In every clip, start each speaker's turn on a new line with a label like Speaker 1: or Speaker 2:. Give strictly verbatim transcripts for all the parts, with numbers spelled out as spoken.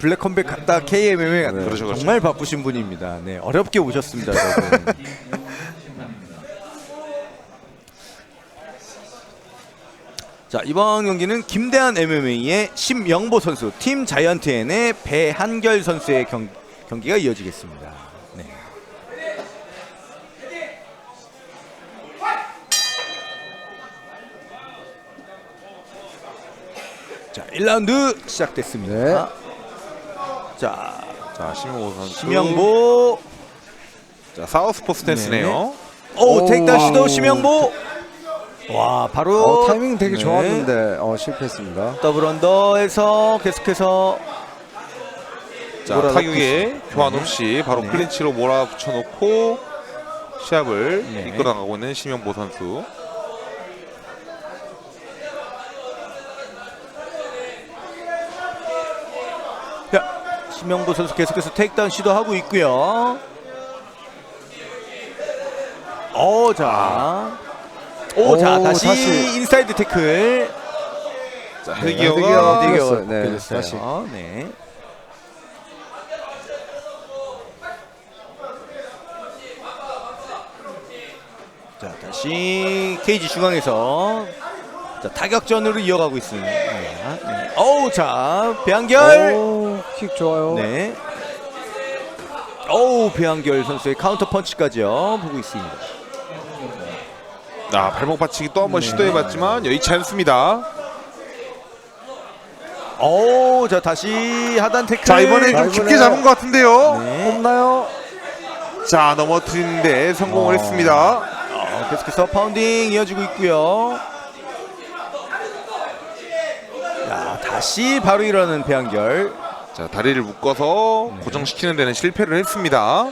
Speaker 1: 블랙 컴백 갔다 케이엠엠에 갔다.
Speaker 2: 네. 그렇죠, 그렇죠.
Speaker 1: 정말 바쁘신 분입니다. 네, 어렵게 오셨습니다. 저분. 자, 이번 경기는 김대한 엠엠에이의 심영보 선수, 팀 자이언트엔의 배한결 선수의 경, 경기가 이어지겠습니다. 네. 자, 일 라운드 시작됐습니다.
Speaker 2: 네.
Speaker 1: 자,
Speaker 2: 자, 심영보 선수.
Speaker 1: 심영보.
Speaker 2: 자, 사우스포 스탠스네요.
Speaker 1: 오,
Speaker 2: 오,
Speaker 1: 테이크다운 시도
Speaker 2: 와우.
Speaker 1: 심영보. 와, 바로
Speaker 3: 어, 타이밍 되게
Speaker 1: 네.
Speaker 3: 좋았는데 어, 실패했습니다.
Speaker 1: 더블 언더에서 계속해서
Speaker 2: 자,
Speaker 1: 몰아넣고
Speaker 2: 타격에
Speaker 1: 있습니다.
Speaker 2: 교환
Speaker 1: 네.
Speaker 2: 없이 바로
Speaker 1: 네.
Speaker 2: 클린치로 몰아붙여놓고 시합을
Speaker 1: 네.
Speaker 2: 이끌어나가고 있는 심영보 선수.
Speaker 1: 자, 심영보 선수 계속해서 테이크다운 시도하고 있고요. 오, 자. 오,
Speaker 3: 오,
Speaker 1: 자, 다시,
Speaker 3: 다시.
Speaker 1: 인사이드 태클.
Speaker 2: 자,
Speaker 3: 헤드기어.
Speaker 2: 헤드기어가
Speaker 3: 헤드기어.
Speaker 1: 되게
Speaker 3: 네,
Speaker 1: 벗겨졌어요.
Speaker 3: 다시.
Speaker 1: 네. 자, 다시 케이지 중앙에서 자, 타격전으로 이어가고 있습니다. 네. 어우, 자, 배한결.
Speaker 3: 오, 킥 좋아요.
Speaker 1: 네. 어우, 배한결 선수의 카운터 펀치까지요. 보고 있습니다.
Speaker 2: 아, 발목 받치기 또 한번
Speaker 1: 네.
Speaker 2: 시도해봤지만 여의치 않습니다.
Speaker 1: 어우, 자, 다시 하단 태클.
Speaker 2: 자, 이번에
Speaker 3: 자,
Speaker 2: 좀
Speaker 3: 이번에-
Speaker 2: 깊게 잡은 것 같은데요.
Speaker 1: 네.
Speaker 3: 없나요?
Speaker 2: 자, 넘어뜨리는데 성공을
Speaker 1: 어.
Speaker 2: 했습니다.
Speaker 1: 어, 계속해서 파운딩 이어지고 있고요. 자, 다시 바로 일어나는 배한결.
Speaker 2: 자, 다리를 묶어서
Speaker 1: 네.
Speaker 2: 고정시키는 데는 실패를 했습니다.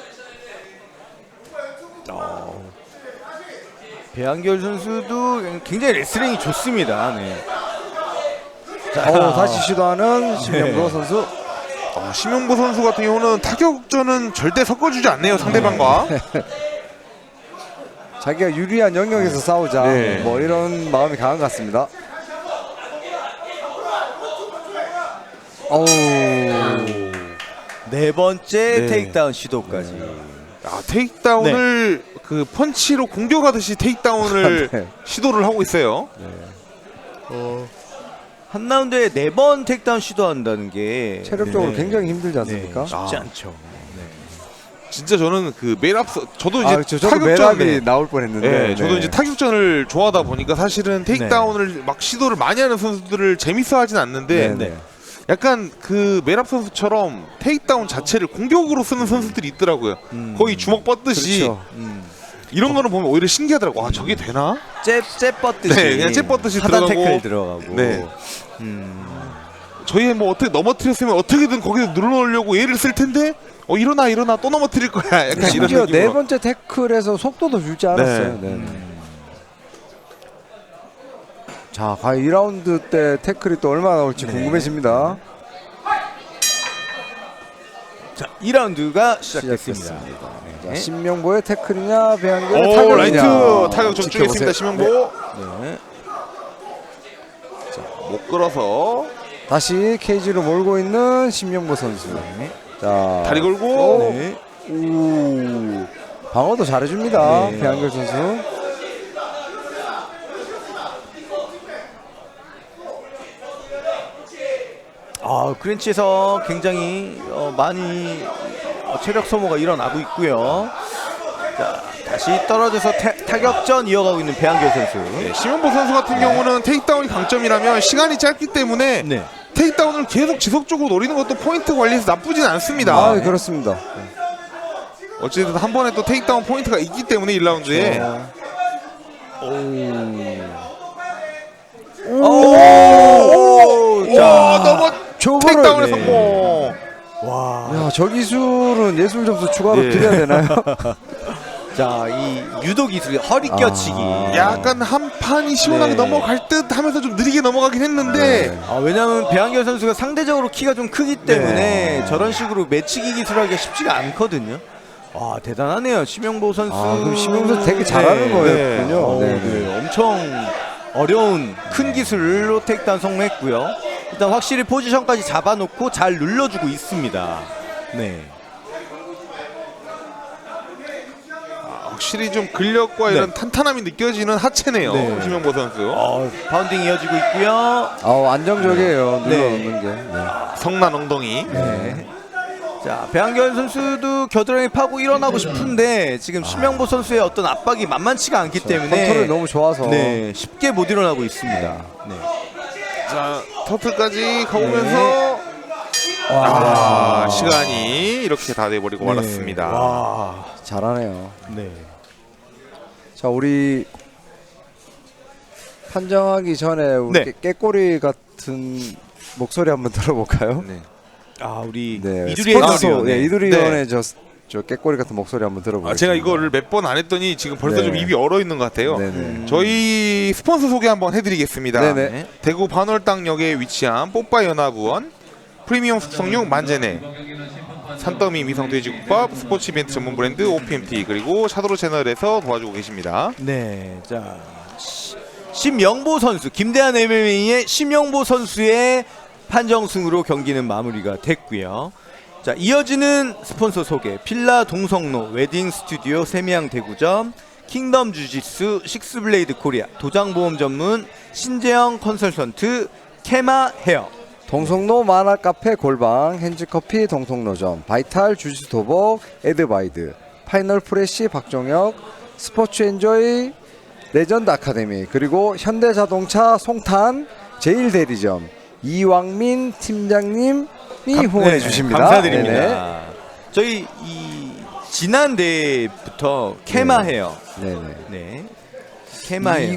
Speaker 1: 어, 배한결 선수도 굉장히 레슬링이 좋습니다. 네. 자,
Speaker 3: 어, 다시 시도하는 심영보
Speaker 1: 네.
Speaker 3: 선수.
Speaker 2: 어, 심영보 선수 같은 경우는 타격전은 절대 섞어주지 않네요, 상대방과.
Speaker 3: 자기가 유리한 영역에서 싸우자.
Speaker 2: 네.
Speaker 3: 뭐 이런 마음이 강한 것 같습니다. 어우.
Speaker 1: 네 번째
Speaker 2: 네.
Speaker 1: 테이크다운 시도까지.
Speaker 2: 아, 테이크다운을 그 펀치로 공격하듯이 테이크다운을
Speaker 3: 네.
Speaker 2: 시도를 하고 있어요.
Speaker 1: 어, 한 라운드에 네 번 테이크다운 시도한다는 게
Speaker 3: 체력적으로
Speaker 1: 네.
Speaker 3: 굉장히 힘들지 않습니까?
Speaker 1: 네, 쉽지
Speaker 2: 아.
Speaker 1: 않죠. 네.
Speaker 2: 진짜 저는 그 매랍서 저도 이제
Speaker 3: 아, 그렇죠. 저도
Speaker 2: 타격전
Speaker 3: 매랍이
Speaker 2: 네.
Speaker 3: 나올 뻔했는데.
Speaker 2: 네, 저도
Speaker 3: 네.
Speaker 2: 이제 타격전을 좋아하다 보니까 사실은 테이크다운을 막 시도를 많이 하는 선수들을 재밌어하진 않는데
Speaker 3: 네, 네.
Speaker 2: 약간 그 매랍 선수처럼 테이크다운 자체를 공격으로 쓰는 선수들이 있더라고요.
Speaker 1: 음.
Speaker 2: 거의 주먹 뻗듯이
Speaker 3: 그렇죠.
Speaker 1: 음.
Speaker 2: 이런 거는 보면 오히려 신기하더라고. 와, 저게 되나?
Speaker 1: 잽, 잽 뻗듯이.
Speaker 2: 네, 그냥 잽 뻗듯이
Speaker 1: 하단
Speaker 2: 들어가고.
Speaker 1: 태클 들어가고.
Speaker 2: 네.
Speaker 1: 음.
Speaker 2: 저희 뭐 어떻게 넘어뜨렸으면 어떻게든 거기서 눌러놓으려고 얘를 쓸 텐데 어 일어나 일어나 또 넘어뜨릴 거야. 약간 이런
Speaker 3: 심지어 네
Speaker 2: 느낌으로.
Speaker 3: 번째 태클에서 속도도 줄지 않았어요. 네.
Speaker 1: 음.
Speaker 3: 자, 과연 이 라운드 때 태클이 또 얼마나 나올지
Speaker 1: 네.
Speaker 3: 궁금해집니다.
Speaker 1: 자, 이 라운드가 시작됐습니다.
Speaker 3: 시작됐습니다.
Speaker 1: 네.
Speaker 3: 자, 신명보의 태클이냐 배한결의
Speaker 2: 오,
Speaker 3: 타격이냐.
Speaker 2: 라이트 타격 좀
Speaker 3: 지켜보세요.
Speaker 2: 주겠습니다. 심영보.
Speaker 1: 네.
Speaker 2: 못 끌어서
Speaker 3: 다시 케이지로 몰고 있는 신명보 선수.
Speaker 1: 네.
Speaker 3: 자,
Speaker 2: 다리 걸고.
Speaker 3: 오,
Speaker 1: 네.
Speaker 3: 오, 방어도 잘해줍니다.
Speaker 1: 네.
Speaker 3: 배한결 선수.
Speaker 1: 아, 크렌치에서 굉장히 어, 많이 어, 체력 소모가 일어나고 있고요. 자, 다시 떨어져서 타, 타격전 이어가고 있는 배한결 선수.
Speaker 2: 네, 심영보 선수 같은 경우는 테이크다운이 강점이라면 시간이 짧기 때문에
Speaker 1: 네.
Speaker 2: 테이크다운을 계속 지속적으로 노리는 것도 포인트 관리에서 나쁘진 않습니다.
Speaker 3: 아, 그렇습니다.
Speaker 2: 어쨌든 한 번에 또 테이크다운 포인트가 있기 때문에 일 라운드에
Speaker 1: 오, 오,
Speaker 2: 와, 넘어
Speaker 3: 저거를-
Speaker 2: 테이크다운에
Speaker 3: 네.
Speaker 2: 성공.
Speaker 1: 와.
Speaker 3: 야, 저 기술은 예술 점수 추가로
Speaker 2: 네.
Speaker 3: 드려야 되나요?
Speaker 1: 자, 이 유도 기술 허리 껴치기.
Speaker 3: 아.
Speaker 2: 약간 한 판이 시원하게
Speaker 1: 네.
Speaker 2: 넘어갈 듯 하면서 좀 느리게 넘어가긴 했는데
Speaker 3: 네.
Speaker 1: 아, 왜냐하면 배한결 선수가 상대적으로 키가 좀 크기 때문에
Speaker 3: 네.
Speaker 1: 저런 식으로 매치기 기술하기가 쉽지가 않거든요. 와, 대단하네요, 심영보 선수.
Speaker 3: 아, 그럼 심영보 선수 되게 잘하는
Speaker 1: 네.
Speaker 3: 거였군요.
Speaker 1: 어,
Speaker 3: 네.
Speaker 1: 네. 엄청 어려운 큰 기술로 테이크다운 성공했고요. 일단 확실히 포지션까지 잡아놓고 잘 눌러주고 있습니다. 네.
Speaker 2: 확실히 좀 근력과
Speaker 1: 네.
Speaker 2: 이런 탄탄함이 느껴지는 하체네요.
Speaker 1: 네.
Speaker 2: 심영보 선수.
Speaker 1: 어, 파운딩 이어지고 있고요.
Speaker 3: 어, 안정적이에요.
Speaker 1: 네.
Speaker 3: 눌러놓는 게. 네.
Speaker 2: 성난 엉덩이.
Speaker 1: 네. 자, 배한결 선수도 겨드랑이 파고 일어나고 싶은데 지금 심영보 선수의 어떤 압박이 만만치가 않기 때문에
Speaker 3: 컨트롤이 너무 좋아서.
Speaker 1: 네, 쉽게 못 일어나고 있습니다. 네.
Speaker 2: 자, 터틀까지 가보면서 아, 시간이 이렇게 다 돼버리고 말았습니다.
Speaker 1: 와.
Speaker 3: 잘하네요.
Speaker 1: 네.
Speaker 3: 자, 우리 판정하기 전에 우리
Speaker 1: 네.
Speaker 3: 깨, 깨꼬리 같은 목소리 한번 들어볼까요?
Speaker 2: 네.
Speaker 1: 아, 우리
Speaker 3: 네,
Speaker 1: 이두리
Speaker 3: 스포츠
Speaker 1: 해설위원.
Speaker 3: 네, 이두리
Speaker 2: 네.
Speaker 3: 의원의 저, 저 깨꼬리 같은 목소리 한번 들어보겠습니다.
Speaker 2: 아, 제가 이거를 몇 번 안 했더니 지금 벌써
Speaker 3: 네.
Speaker 2: 좀 입이 얼어 있는 것 같아요.
Speaker 3: 네네.
Speaker 2: 저희 스폰서 소개 한번 해드리겠습니다.
Speaker 3: 네네.
Speaker 2: 대구 반월당역에 위치한 뽀빠 연합원 프리미엄 숙성육 만제네 산더미 미성 돼지국밥 스포츠 이벤트 전문 브랜드 오피엠티 그리고 샤도로 채널에서 도와주고 계십니다.
Speaker 1: 네. 자, 시- 심영보 선수, 김대한 엠엠에이의 심영보 선수의 판정승으로 경기는 마무리가 됐고요. 자, 이어지는 스폰서 소개. 필라 동성로 웨딩 스튜디오 세미양 대구점 킹덤 주짓수 식스블레이드 코리아 도장보험 전문 신재영 컨설턴트 케마 헤어
Speaker 3: 동성로 만화 카페 골방 핸즈커피 동성로점 바이탈 주짓수 도복 에드바이드 파이널 프레시 박종혁 스포츠 엔조이 레전드 아카데미 그리고 현대자동차 송탄 제일 대리점 이왕민 팀장님이 후원해
Speaker 1: 네,
Speaker 3: 주십니다.
Speaker 1: 감사드립니다.
Speaker 3: 네네.
Speaker 1: 저희 이 지난 대회부터 케마 헤어
Speaker 3: 네네.
Speaker 1: 네. 케마 헤어